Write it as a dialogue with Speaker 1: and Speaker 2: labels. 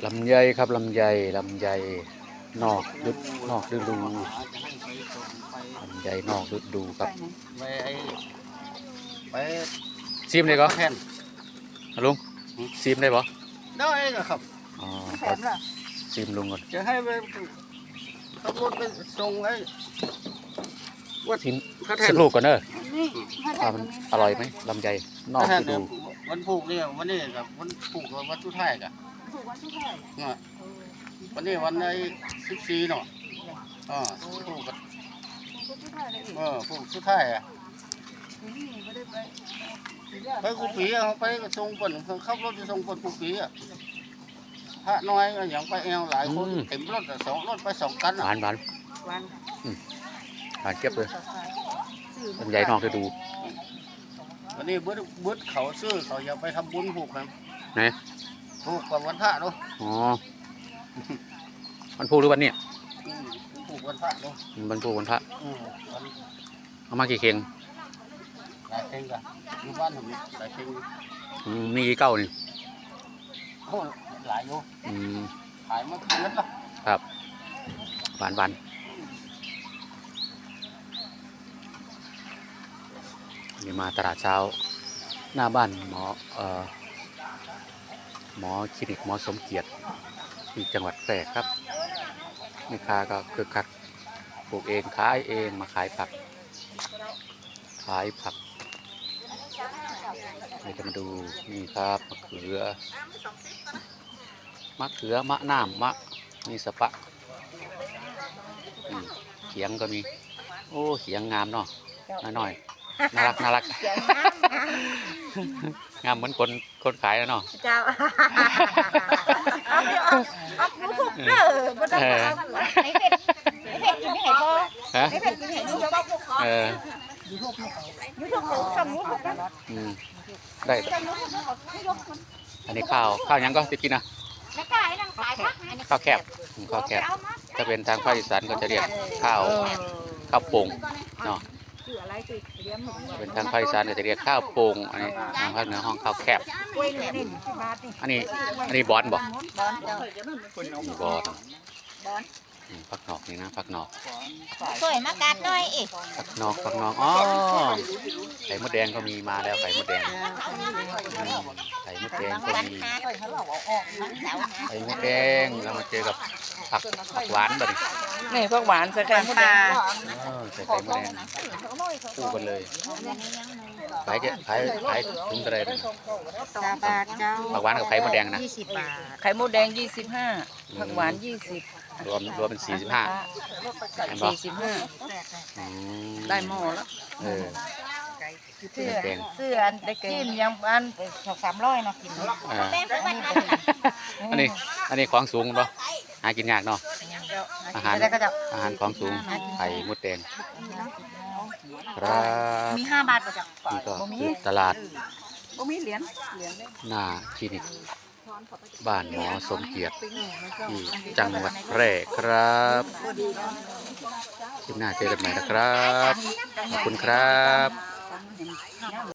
Speaker 1: ลำไยครับลำไยนอกฤดูนอกฤดูลำไยนอกฤดูครับ
Speaker 2: ไป
Speaker 1: ซิมได้ก็
Speaker 2: แทน
Speaker 1: ลุงซิมได้ปะ
Speaker 2: ได้ครับ
Speaker 1: อ๋อ
Speaker 3: แถมเหรอ
Speaker 1: ซิมลุงก่อน
Speaker 2: จะให้ไปขับรถไปส่งไอ้ว่า
Speaker 1: ซิม
Speaker 2: พระแทน
Speaker 1: สักลูกก่อนเนอะ
Speaker 3: นี่
Speaker 1: ว่ามันอร่อยไหมลำไยนอกฤดู
Speaker 2: วันผูกเนี่ยวันนี้กับวันผูกกับวันสุดท้ายกับ
Speaker 3: ถูกวันที่เท่าไหร่
Speaker 2: วันนี้วันใน14เนาะผูกกับผูกสุดท้ายอ่ะไปกูปีอ่ะไปส่งคนขับรถไปส่งคนกูปีอ่ะพระน้อยอย่างไปเอวหลายคนเต็มรถสองรถไป2 กัน
Speaker 1: หวานหวานเก็บเลยลำไยนอกฤดู
Speaker 2: วันนี้บึ้ดเขาซื้อเขาอยากไปทำบุญผูกกัน
Speaker 1: ไหน
Speaker 2: ผูกกับวันพระเนาะ
Speaker 1: อ๋อวันพูหรือวันเนี่ย
Speaker 2: ผูกวันพระเนาะ
Speaker 1: วันพูวันพระเอามากี่เข่ง
Speaker 2: หลายเข่งกันอยู่บ้านผมหลายเข่ง
Speaker 1: มีกี่เก้านี่
Speaker 2: โอ้หลายอยู่ขายมาเยอะละ
Speaker 1: ครับหวานนี่มาตลาดเช้าหน้าบ้านหมอคลินิกหมอสมเกียรติที่จังหวัดแพร่ครับแม่ค้าก็คึกคักปลูกเองขายเองมาขายผักให้จะมาดูนี่ครับมะเขือมะน้ำมีสะปะเขียงก็มีโอ้เขียงงามเนาะน้อยน่ารักงามเหมือนคนขายแล้วเนาะ
Speaker 3: เจ้าเอาทุกเด้อบ่ต้องเอาไอ้เผ็ดกินไม่ให้พอไอ้เผ็ดกินให้ดูบ่พวกเขาอยู่ทุกสมุนกัน
Speaker 1: ได้อันนี้ข้าวยังก็จะกินนะข้าวแคบถ้าเป็นทางภาคอีสานก็จะเรียกข้าวโป่งเนาะเป็นทางภาคอีสานจะเรียกข้าวโป่งอันนี้ทางภาคเหนือห้องข้าวแคบอันนี้บอนบอกบอนผักนอกนี่นะผักนอก
Speaker 3: สวยมากัดหน่อยอีก
Speaker 1: ผักนอกอ๋อไข่มดแดงก็มีมาแล้วไข่มดแดงก็มีไข่มดแดงเรามาเจอกับผักหวานแบบ
Speaker 3: นี่ผักหวานใส่ไข่มดแดง
Speaker 1: ใส่ไข่มดแดงคู่กันเลยขายถุงอะไร
Speaker 3: 10 บาทเจ้า
Speaker 1: ผักหวานกับไข่มดแดงนะ
Speaker 3: 20 บาทไข่มดแดง25ผักหวาน20
Speaker 1: รวมเป็น45
Speaker 3: ได้หม้อแล้วเสื้ออันได้กินยังอัน200-300เนาะกิน
Speaker 1: อันนี้ของสูงเนาะหากินยากเนาะอาหารของสูงไข่มดแดงครับ
Speaker 3: มี5 บาทก็จะ
Speaker 1: นี่ก็คือตลาด
Speaker 3: มีเหรียญ
Speaker 1: หน้าคลินิกบ้านหมอสมเกียรติที่จังหวัดแพร่ครับคลิปหน้าเจอกันใหม่นะครับขอบคุณครับ